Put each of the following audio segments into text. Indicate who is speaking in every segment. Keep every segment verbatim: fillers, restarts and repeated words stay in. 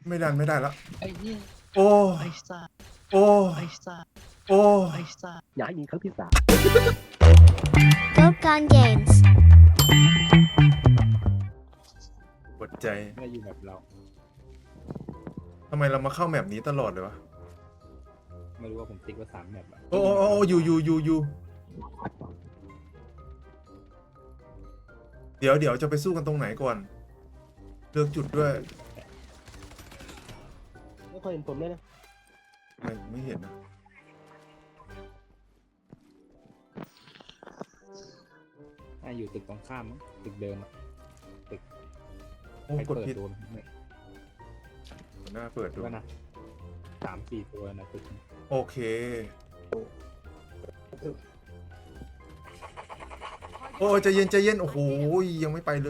Speaker 1: ไม่ดันไม่ได้แล้ว
Speaker 2: ไอ้ยี่
Speaker 1: โอ้
Speaker 2: ไอ้สัส
Speaker 1: โอ้
Speaker 2: ไอ้สัส
Speaker 1: โอ้
Speaker 2: ไอ้สัส
Speaker 3: อย่าให้มีครั้งที่สาม
Speaker 4: Go Gun Games
Speaker 1: ปวดใจ
Speaker 3: ไม่อยู่แบบเรา
Speaker 1: ทำไมเรามาเข้าแมปนี้ตลอดเลยวะ
Speaker 3: ไม่รู้ว่าผมติ๊กว่าสามแมปอะ
Speaker 1: โอ้โอ้โอ้อยู่อยู่อยู่อยู่เดี๋ยวเดี๋ยวจะไปสู้กันตรงไหนก่อนเลือกจุดด้วย
Speaker 3: ไม่ค่อยเห็นผมเลยนะ
Speaker 1: ไม่ไม่เห็นนะ
Speaker 3: อ่าอยู่ตึกตรงข้ามมั้งตึกเดิมอะ
Speaker 1: โอ้
Speaker 3: ใคร
Speaker 1: กด
Speaker 3: เปิด
Speaker 1: ผิด
Speaker 3: โดนไม่
Speaker 1: หน้าเปิดดู
Speaker 3: ว่านะสามสี่ตัวนะตึก
Speaker 1: โอเคโอ้ใจเย็นใจเย็นโอ้โหยังไม่ไปเลย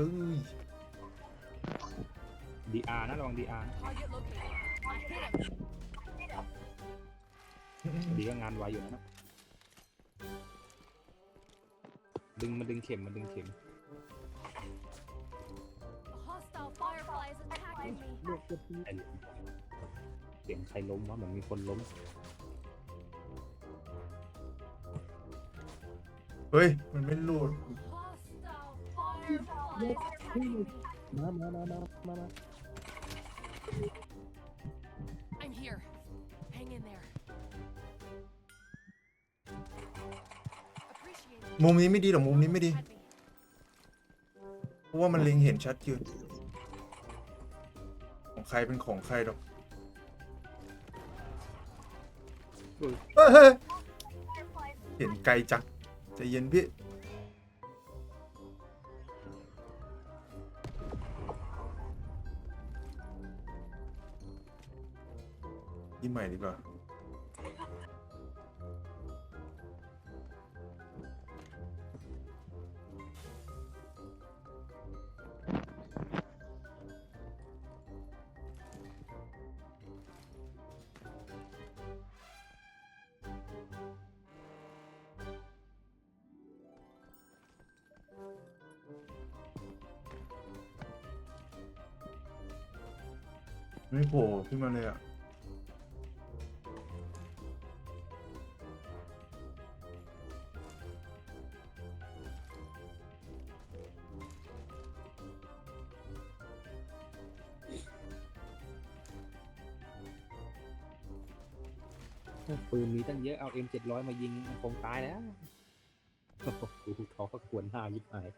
Speaker 3: ดีอาร์นะระวังดีอาร์ดีก็งานไวอยู่นะดึงมาดึงเข็มมาดึงเข็ม
Speaker 5: Hostile fireflies attacking me.
Speaker 3: ไอ้เสียงใครล้มวะเหมือนมีคนล้ม
Speaker 1: เฮ้ยมันไม่รูด
Speaker 5: Hostile fireflies attacking me.
Speaker 3: มามามามามามา
Speaker 5: I'm here. Hang in there. Appreciate it.
Speaker 1: มุมนี้ไม่ดีหรอมุมนี้ไม่ดี
Speaker 5: Had me.
Speaker 1: เพราะว่ามันเล็งเห็นชัดอยู่ของใครเป็นของใครหรอกเฮ้ยเฮ้ยเห็นไกลจังใจเย็นพี่ยี่ใหม่ดีกว่าไม่โผล่ขึ้นมาเลยอ่ะ
Speaker 3: ปืนมีตั้งเยอะเอา เอ็ม เจ็ดร้อยมายิงมันคงตายแล้วโอ้โหดูท้อก็ควรหน้ายิบหาย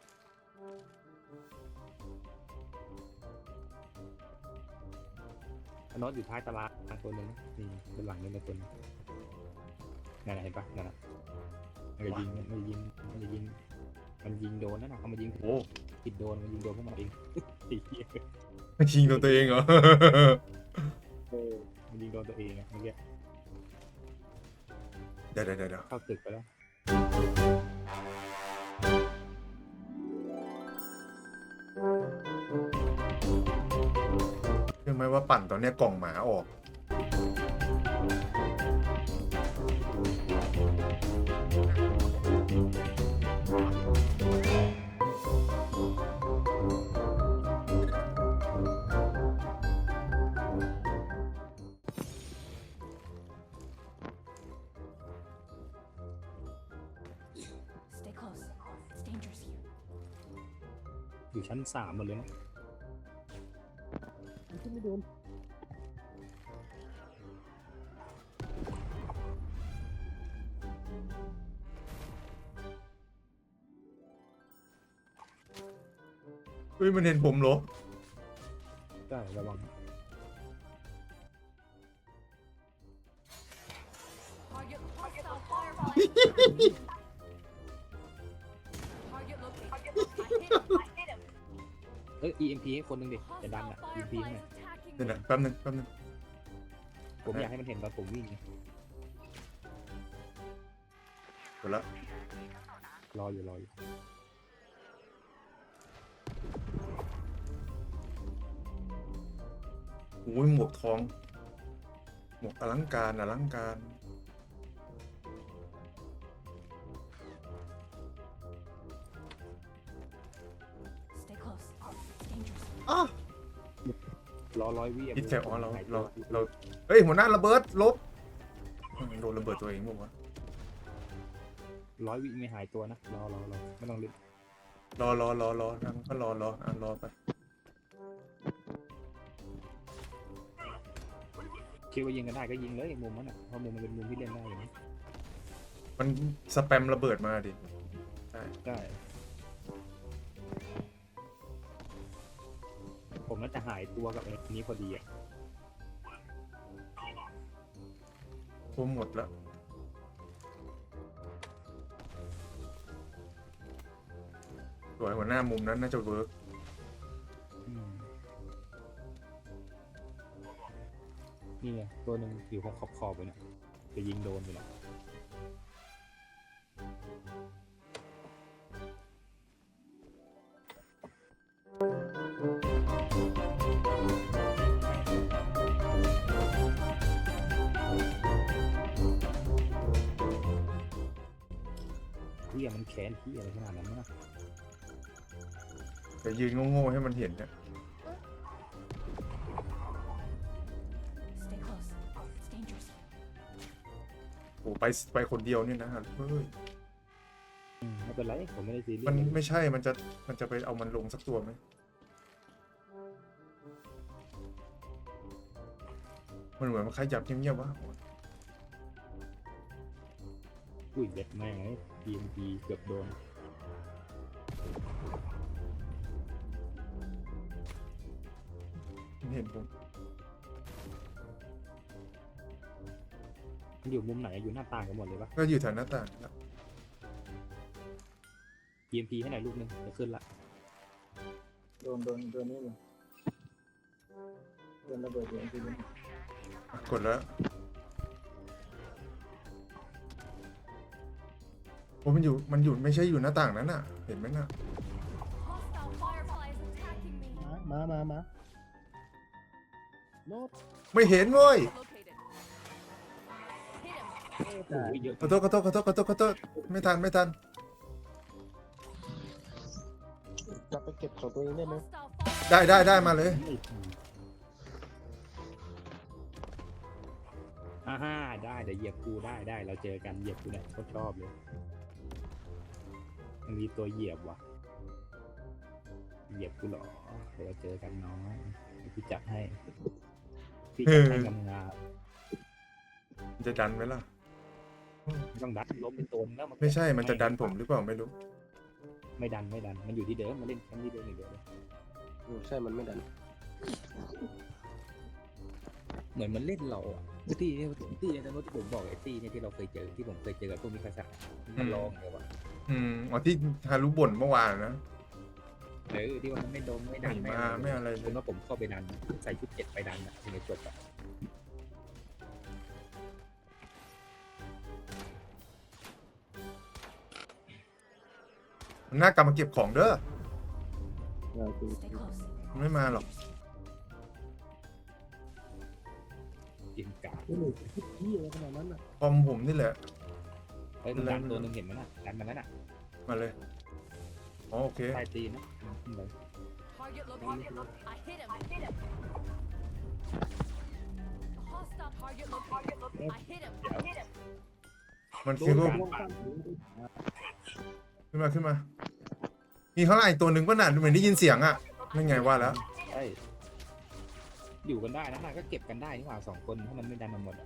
Speaker 3: น็อตอยู่ท้ายตารางตัวหนึงนี่บนหลังนี่นะตัวนึงนั่นน่ะเห็นปะนั่นน่ะมันจะยิงมันจะยิงมันจะยิงมันยิงโดนนั่นน่ะเขามายิง
Speaker 1: โอ้
Speaker 3: ผิดโดนมันยิงโดนพวกมันเองไอ้เหี้ย
Speaker 1: ยิงโดนตัวเองเหรอ
Speaker 3: เออมันยิงโดนตัวเองอะเมื่อกี้
Speaker 1: เดี๋ยวเดี๋ยวเดี๋ยว
Speaker 3: เข้าตึกไปแล้ว
Speaker 1: เชื่อไหมว่าปั่นตอนเนี้ยกล่องหมาออก
Speaker 5: Stay close. It's dangerous here.
Speaker 3: อยู่ชั้นสามหมดเลยนะมันไม่โดน
Speaker 1: เฮ้ยมันเห็นผมเหรอ
Speaker 3: ได้ระวัง
Speaker 5: Target hostile fireflies. Target located. I hit him. I hit him.
Speaker 3: เอ้ย อี เอ็ม พี ให้คนหนึ่งดิจะดัน
Speaker 5: Hostile
Speaker 3: อ่ะ อี เอ็ม พี ให้หน่อย
Speaker 5: fireflies attacking
Speaker 1: เดี๋ยว
Speaker 5: me.
Speaker 1: นะแป๊บนึงแป๊บนึง
Speaker 3: ผมอยากให้มันเห็นตอนผมวิ่งไง
Speaker 1: เดี๋ยวละ
Speaker 3: รออยู่รออยู่
Speaker 1: โอ้ยหมวกทอง หมวกอลังการอลังการ
Speaker 5: Stay close. It's dangerous.
Speaker 1: อ้าว
Speaker 3: รออร้อยวิ
Speaker 1: คิดแค่อ๋อเราเราเราเฮ้ยหัวหน้าระเบิดลบโดนระเบิดตัวเองมั้งวะ
Speaker 3: ร้อยวิไม่หายตัวนะรอรอรอไม่ต้องรีบ
Speaker 1: รอรอรอรอนั่งก็รอรออ่ะรอไป
Speaker 3: คิดว่ายิงกันได้ก็ยิงเลยมุมนั้นอ่ะเพราะมุมมันเป็นมุมที่เล่นได้อยู่นะ
Speaker 1: มันสแปมระเบิดมาดิใช่
Speaker 3: ได้ผมน่าจะหายตัวกับไอ้นี้พอดีอ่ะ
Speaker 1: ผมหมดแล้วสวยหัวหน้ามุมนั้นน่าจะเวิร์ก
Speaker 3: อืมนี่ไงตัวหนึ่งอยู่ขอบขอบๆไปเนี่ยจะยิงโดนไปแล้วเฮียมันแค้นเฮียอะไรขนาดนั้นนะ
Speaker 1: แต่ยืนโง่ๆให้มันเห็นเนี่ย
Speaker 5: Stay close. It's dangerous.
Speaker 1: โอ้ไปไปคนเดียวเนี่ยนะเฮ้ย
Speaker 3: อืมไม่เป็นไรผมไม่ได้ซีเรีย
Speaker 1: มัน
Speaker 3: ส
Speaker 1: ไม่ใช่มันจะมันจะไปเอามันลงสักตัวไหมมันเหมือนมันขยับเงียบๆวะ
Speaker 3: อุ้ยเด็ดแม่งไอ้ ที เอ็น ที เกือบโดน
Speaker 1: มันเห็นผม
Speaker 3: มันอยู่มุมไหนอยู่หน้าต่างกันหมดเลยปะ
Speaker 1: ก็อยู่แถวหน้าต่างครับ
Speaker 3: ที เอ็น ที ให้หน่อยลูกนึงจะขึ้นละ
Speaker 2: โดนโดนโดนนี่เลยโดนระเบิดอยู่ทีนี้
Speaker 1: อ่ะกดแล้วโอ้มันอยู่มันอยู่ไม่ใช่อยู่หน้าต่างนั้นน่ะ เห็นไหมน่ะ
Speaker 5: Hostile firefly is attacking me.
Speaker 2: มามามาโน้ต
Speaker 1: ไม่เห็นเว้ย
Speaker 5: Located. Hit him.
Speaker 3: โอ้ยเยอะ
Speaker 1: ขอโทษขอโทษขอโทษขอโทษขอโทษไม่ทันไม่ทัน
Speaker 2: กลับไปเก็บของตัวเองได้ไหม
Speaker 5: Hostile firefly.
Speaker 1: ได้ได้ได้มาเลย
Speaker 3: อ่าฮ่าได้เดี๋ยวเหยียบกูได้ได้เราเจอกันเหยียบกูเนี่ยเขาชอบเลยมันมีตัวเหยียบว่ะเหยียบกูเหรอเดี๋ยวเราเจอกันน้องเดี๋ยวพี่จัดให้พี่จัดให้งามงาม
Speaker 1: มันจะดันไหมล่ะ
Speaker 3: ๆต้องดันล้มเป็นตัวนึงแล้ว
Speaker 1: ไม่ใช่มันจะดันผมหรือเปล่าไม่รู้
Speaker 3: ไม่ดันไม่ดันมันอยู่ที่เดิมมาเล่นแค่ที่เดิมอย่างเดียวเลย
Speaker 2: ใช่มันไม่ดัน
Speaker 3: เหมือนมันเล่นเราอ่ะตี้เนี่ยตี้เนี่ยที่ผมบอกไอ้ตี้เนี่ยที่เราเคยเจอที่ผมเคยเจอกับพวกมิคาสะมันลองเลยวะ
Speaker 1: อืมอ๋อที่ฮารุบ่นเมื่อวานนะ
Speaker 3: เออที่ว่ามันไม่โดนไม่ดั
Speaker 1: ไม่
Speaker 3: น
Speaker 1: มาไม่อะไรเล
Speaker 3: เป็
Speaker 1: ย
Speaker 3: นว่าผมเข้าไปดันใส่ชุดเจ็ดไปดันอ่ะถึงจะจบอ่ะ
Speaker 1: มันน่ากลับมาเก็บของเด้อ
Speaker 5: Stay close.
Speaker 1: มันไม่มาหรอก
Speaker 3: เกมกา
Speaker 2: นี่เลยที่อะไรขนาดนั้นอ่ะ
Speaker 1: คอมผมนี่แหละ
Speaker 3: เฮ้ยมันดันตัวหนึงเห็นไหมน่ะดันมาแล้วน่ะ
Speaker 1: มาเลยอ๋อโอเค
Speaker 3: ใต้ตีนนะขึ้นเลย
Speaker 5: Target located. I hit him. I hit him. Hostile target located. I hit him. I hit him.
Speaker 1: มันคือพวก
Speaker 3: ปาก
Speaker 1: ขึ้นมาขึ้นมา มีข้างล่างอีกตัวหนึ่งก็น่ะเหมือนได้ยินเสียงอ่ะไม่ไงว่าแล้ว
Speaker 3: ใช่อยู่กันได้นะน่ะก็เก็บกันได้นี่หว่าสองคนถ้ามันไม่ดันมาหมดอะ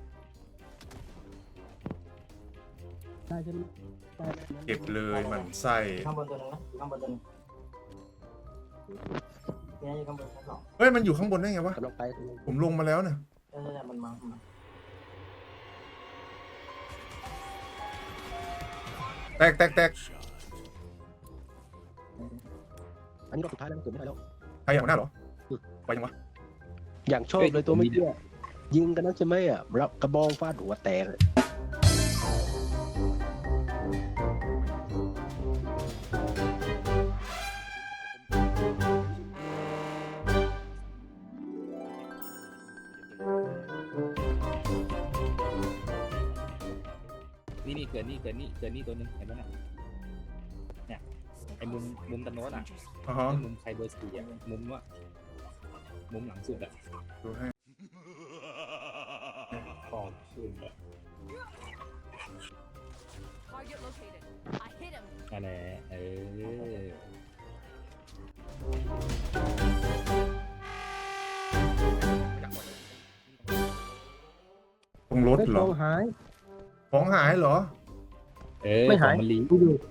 Speaker 2: ใช่ใช่ไหมใช่
Speaker 1: เก็บเลยหมันไส้
Speaker 2: ข้างบนตัวนึงนะข้างบนตัวนึงเนี่ยอยู่ข้างบนชั้นสอง
Speaker 1: เฮ้ยมันอยู่ข้างบนได้ไงวะ
Speaker 2: กำลังไป
Speaker 1: ผมลงมาแล้วเนี่ย
Speaker 2: เออมันมามันมา
Speaker 1: แตกแตกแตก
Speaker 2: อันนี้รอบสุดท้ายแล้วมันเกิดไม่ได้แล้ว
Speaker 1: ใครอย่างหัวหน้าเหรอไปยังวะ
Speaker 2: อย่างชอบเลยตัวไม่เชื่อยิงกันนักใช่ไหมอ่ะรับกระบองฟาดหัวแตกเลย
Speaker 3: นี่นี่เกิดนี่เกิดนี่เกิดนี่ตัวหนึงเห็นไหมน่ะ
Speaker 5: Stay
Speaker 3: ไอ้มุม
Speaker 5: close.
Speaker 3: มุมตะโน้นอ่ะ
Speaker 5: Dangerous.
Speaker 1: อ๋อฮะ
Speaker 3: ไอ้มุมใครเบอร์สี่อ่ะมุมว่ามุมหลังสุดอ่ะ
Speaker 1: ดูให้
Speaker 3: ขอบคุณเลย
Speaker 5: Target located. I hit him.
Speaker 3: นั่นแหละเออ
Speaker 1: ตรงรถ
Speaker 2: ไม่
Speaker 1: เหร
Speaker 2: ท
Speaker 1: อ
Speaker 2: องหาย
Speaker 1: ของหายเหรอ
Speaker 3: เออ
Speaker 2: ไม่หาย
Speaker 3: ของมันลี
Speaker 2: ดูดู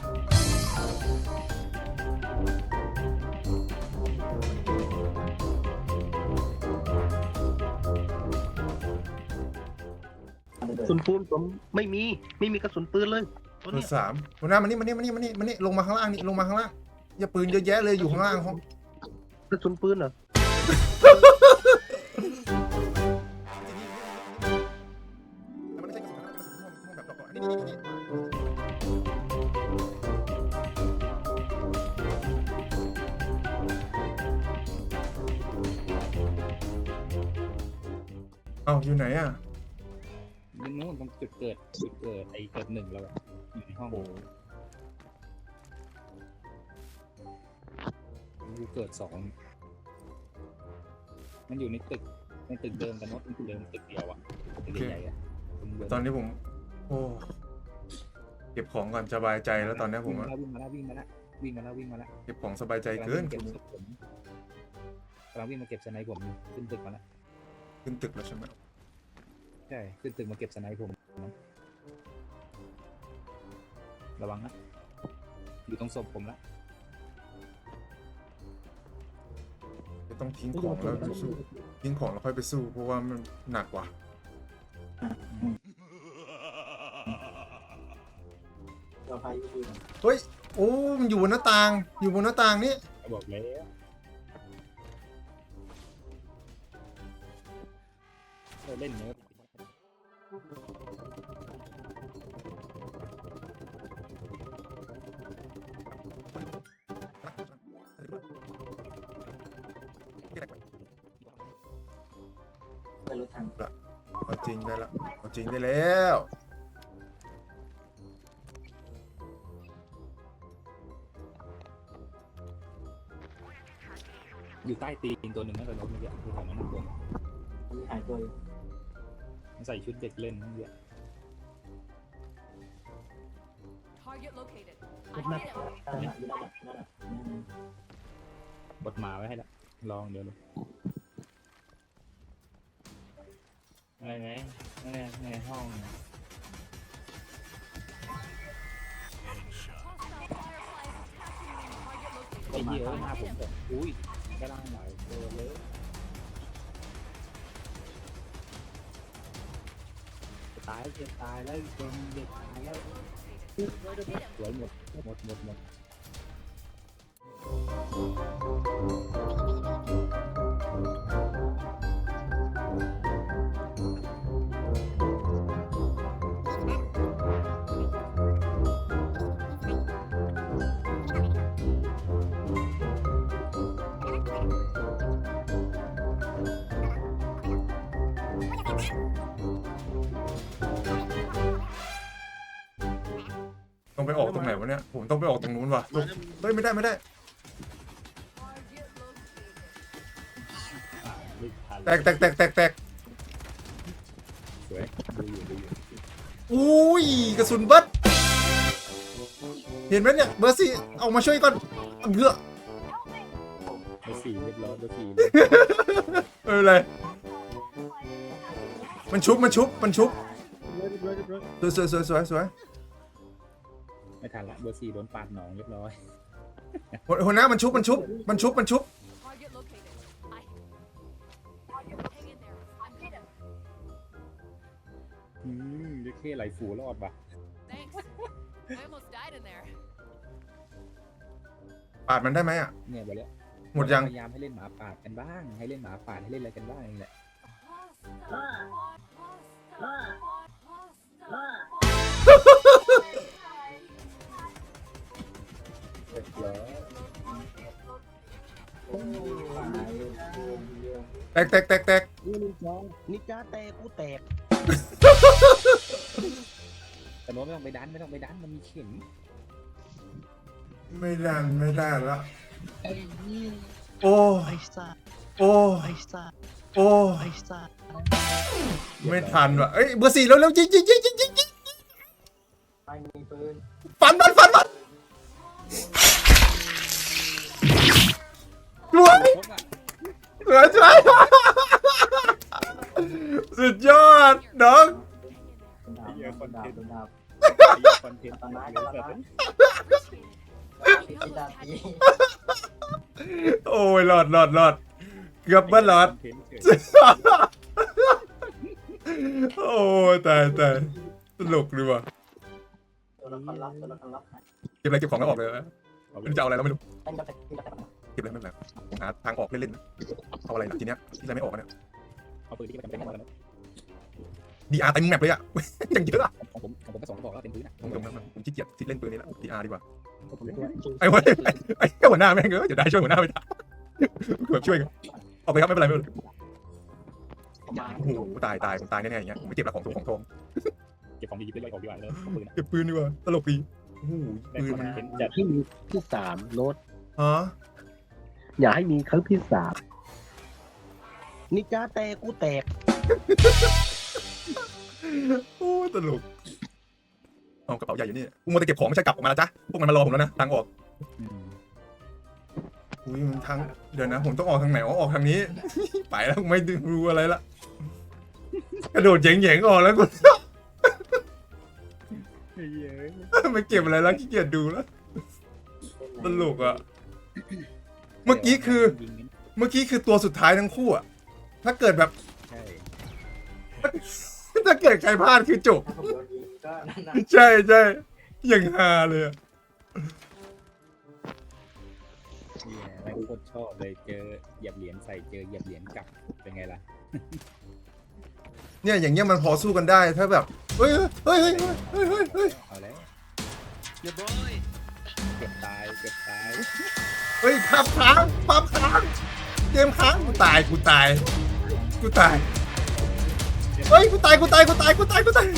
Speaker 2: กระสุนปืนผมไม่มีไม่มีกระสุนปืนเลยตัว
Speaker 1: เบอ
Speaker 2: เนี้ย
Speaker 1: ร์สามหัวหน้ามานี่มานี่มานี่มานี่มานี่ลงมาข้างล่างนี่ลงมาข้างล่างอย่าปืนเยอะแยะเลยอยู่ข้างล่างห้อง
Speaker 2: กระสุนปืนเหรอ
Speaker 1: มันไม่ใช่กระสุนนะกระสุนม่วงม่วงแบบดอกๆอันนี้นี่นี่เอ้าอยู่ไหนอ่ะ
Speaker 3: ยิงนู้นตรงจุดเกิดจุดเกิดไอ้เกิดหนึ่งแล้วอะอยู่ในห้องอยู่เกิดสองมันอยู่ในตึกในตึกเดิมกันเนาะตึกเดิมตึกเดียวอะตึกใหญ่ๆอะตึกเดิม
Speaker 1: ตอนนี้ผม โอ้เก็บของก่อนสบายใจแล้วตอนนี้ผมอะ
Speaker 3: วิ่งมาแล้ววิ่งมาแล้ววิ่งมาแล้ววิ่งมาแล้ว
Speaker 1: เก็บของสบายใจเกิน
Speaker 3: กำลังวิ่งเก็บผมกำลังวิ่งมาเก็บสไนป์ผมอยู่ขึ้นตึกมาแล้ว
Speaker 1: ขึ้นตึกแล้วใช่ไหม
Speaker 3: ใช่ขึ้นตึกมาเก็บสไนป์ผมนะระวังนะอยู่ตรงศพผมละ
Speaker 1: จะต้องทิ้งของแล้วไปสู้ทิ้งของแล้วค่อยไปสู้เพราะว่ามันหนักกว่า เฮ้ย โอ้มันอยู่บนหน้าต่าง อยู่บนหน้าต่างนี่
Speaker 3: บอกแล้วเราเล่นเนื้อ
Speaker 1: เอาจริงได้ละเอาจริงได้แล้ว
Speaker 3: อยู่ใต้ตีนตัวหนึ่งนั่นเป็นรถเมื่อกี้คือของมันนั่นตัวหายตัวมันใส่ชุดเด็กเล่นเมื่อกี้
Speaker 5: Target located. I hit him.
Speaker 3: บดหมาไว้ให้ละลองเดี๋ยวดูอะไรไหมในในห้อง
Speaker 5: Hostile fireflies attacking me. Target
Speaker 3: ไอ้
Speaker 5: located.
Speaker 3: เหี้ย
Speaker 5: I
Speaker 3: หน้า
Speaker 5: hit
Speaker 3: ผม
Speaker 5: him.
Speaker 3: แบบอุ้ยกระลังหลายตัวเลยจะตายจะตายแล้วตัวมันจะตายแล้ว
Speaker 5: Hit him.
Speaker 3: สวยหมดหมดหมดหมด
Speaker 1: ต้องไปออกตรงไหนวะเนี่ย ผมต้องไปออกตรงนู้นว่ะลงเฮ้ยไม่ได้ไม่ได้
Speaker 5: Target located.
Speaker 3: ไม่ทัน
Speaker 1: แตกแตกแตกแตกแตก
Speaker 3: สวยดูอยู่ดูอยู่
Speaker 1: อุ้ยกระสุนเบิดเห็นไหมเนี่ยเบอร์สี่เอามาช่วยก่อนเพื่อ
Speaker 3: เบอร์สี่เรียบร้อยเบอร์สี่
Speaker 1: เออเลยมันชุบมันชุบมันชุบสวยสวยสวยสวยสวย
Speaker 3: ไม่ทันละเบอร์สี่โดนปาดหนองเรียบร้อย
Speaker 1: หัวหัวหน้ามันชุบมันชุบมันชุบมันชุบ
Speaker 5: Target located. I. Hang in there. I'm hit him.
Speaker 3: อืมเด็กเท่ไหลฝูรอดปะ
Speaker 5: Thanks. I almost died in there.
Speaker 1: ปาดมันได้ไหมอ่ะ
Speaker 3: เนี่ยไปแล้ว
Speaker 1: หมดยัง
Speaker 3: พยายามให้เล่นหมาป่ากันบ้าง ให้เล่นหมาป่าให้เล่นอะไรกันบ้างนี่แหละ เรียบร้อย
Speaker 1: แตกแตกแตกแตก
Speaker 2: นี่นินจานินจาแตกกูแตก
Speaker 3: แต่โน้ตไม่ต้องไปดันไม่ต้องไปดันมันมีเข็ม
Speaker 1: ไม่ได้ไม่ได้ละโอ้
Speaker 2: ไอ้ซ่า
Speaker 1: โอ้
Speaker 2: ไอ้ซ่า
Speaker 1: โอ้
Speaker 2: ไอ้สัส
Speaker 1: ไม่ทันว่ะเอ้ยเบอร์สี่เร็วเร็วยิงยิงยิงยิงยิงยิงฟันมันฟันมันสวยสวยสวยสุดยอดน้อง
Speaker 3: เหี้ยคอนเทนต์คอนเทนต์
Speaker 1: โอ้ยหลอดหลอดหลอดเกือบเบิ้ลหลอด
Speaker 3: คอนเทนต์เฉย
Speaker 1: โอ้ยตายตายตลกดีว่ะเก็บอะไรเก็บของแล้วออกเลยนะมันจะเอาอะไรเราไม่รู้เก็บอะไรไม่เป็นไรผมหาทางออกเล่นๆนะเอาอะไรนะทีเนี้ยที่อะไรไม่ออกเนี่ย
Speaker 3: เอาปืนที่มันจำเป็นมาแล้ว
Speaker 1: ดีอาร์เต็มแมปเลยอ่ะ ยังเยอะอะ
Speaker 3: ของผมของผมก็สองกระบอกแล้วเต็มพื้นอ่ะ
Speaker 1: ผมตรงนั้นผมขี้เกียจที่เล่นปืนนี้แล้วดีอาร์ดีกว่า
Speaker 3: ผมเล่นด้วย
Speaker 1: ไอ้เว้ยไอ้ไอ้แค่หัวหน้าแม่งเออจะได้ช่วยหัวหน้าไม่ได้แบบช่วยกันออกไปครับไม่เป็นไรไม่เป็นไรโอ้โหตายตายผมตายแน่ๆอย่างเงี้ยผมไม่เก็บหลักของตัวของทอง
Speaker 3: เก็บของดีๆไปย่อยออกดีกว่าเลยปืน
Speaker 1: เก็บปืนดีกว่าตลกดีโอ้โห
Speaker 3: ได้
Speaker 1: ปืน
Speaker 3: ค
Speaker 1: มัน
Speaker 3: อนเทนต์จัด
Speaker 2: ที่มีที่สามโน้ต
Speaker 1: ฮะ
Speaker 2: อย่าให้มีครั้งที่สามนี่จ้าแตกกูแตก
Speaker 1: โอ้ตลกเอากระเป๋าใหญ่อยู่นี่กูมัวแต่เก็บของไม่ใช่กลับออกมาแล้วจ้ะพวกมันมารอผมแล้วนะทางออกอุ้ยมันทางเดี๋ยวนะผมต้องออกทางไหนอ๋อออกทางนี้ ไปแล้วไม่รู้อะไรละกระโดดเหย่งๆออกแล้วกู ไม่เก็บอะไรแล้วขี้เกียจดูแล้วตลกอ่ะเมื่อกี้คือ เมื่อกี้คือตัวสุดท้ายทั้งคู่อ่ะถ้าเกิดแบบ
Speaker 3: ใช่
Speaker 1: ถ้าเกิดใครพลาดคือจบใช่ใช่อย่างฮาเลยอะ
Speaker 3: เนี่ยแม่งโคตรชอบเลยเจอเหยียบเหรียญใส่เจอเหยียบเหรียญกลับเป็นไงล่ะ
Speaker 1: เนี่ยอย่างเงี้ยมันพอสู้กันได้ถ้าแบบเฮ้ยเฮ้ยเฮ้ยเฮ้ยเฮ้ยเฮ้ย
Speaker 3: เอาแล้วเกือบตายเกือบตาย
Speaker 1: เฮ้ยภาพค้างภาพค้างเกมค้างกูตายกูตายกูตายเฮ้ยกูตายกูตายกูตายกูตายกูตาย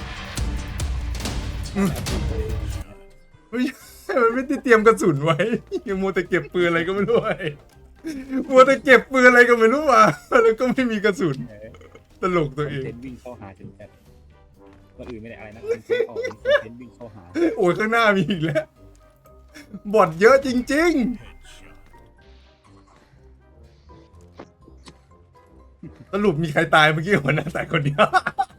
Speaker 1: อืมเฮ้ยมันไม่ได้เตรียมกระสุนไว้ยังมัวแต่เก็บปืนอะไรก็ไม่รู้ไอ้มัวแต่เก็บปืนอะไรก็ไม่รู้ว่ะแล้วก็ไม่มีกระสุนตลกตัวเอง
Speaker 3: เทนวิ่งเข้าหาจนแบบคนอื่นไม่ได้อะไรนะคนเทนออกเป็นเทนวิ่งเข้าหา
Speaker 1: โอ้ยข้างหน้ามีอีกแล้วบอทเยอะจริงๆสรุปมีใครตายเมื่อกี้หัวหน้าตายคนเดียว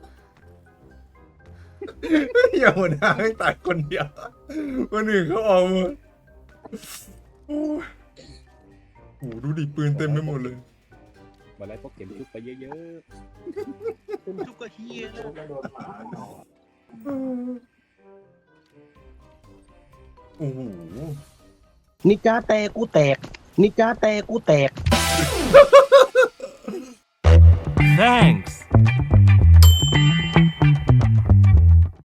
Speaker 1: อย่าหัวหน้าให้ตายคนเดียวคนอื่นเขาออกหมดโอ้ยโหดูดิปืนเต็มไปหมดเลย
Speaker 3: วันไรพวกเข็มทุบไปเยอะ
Speaker 2: เป็นทุกข์ก็เฮียนะ
Speaker 1: โอ้โห
Speaker 2: นี่จ้าแตกกูแตกนี่จ้าแตกกูแตก
Speaker 6: Thanks.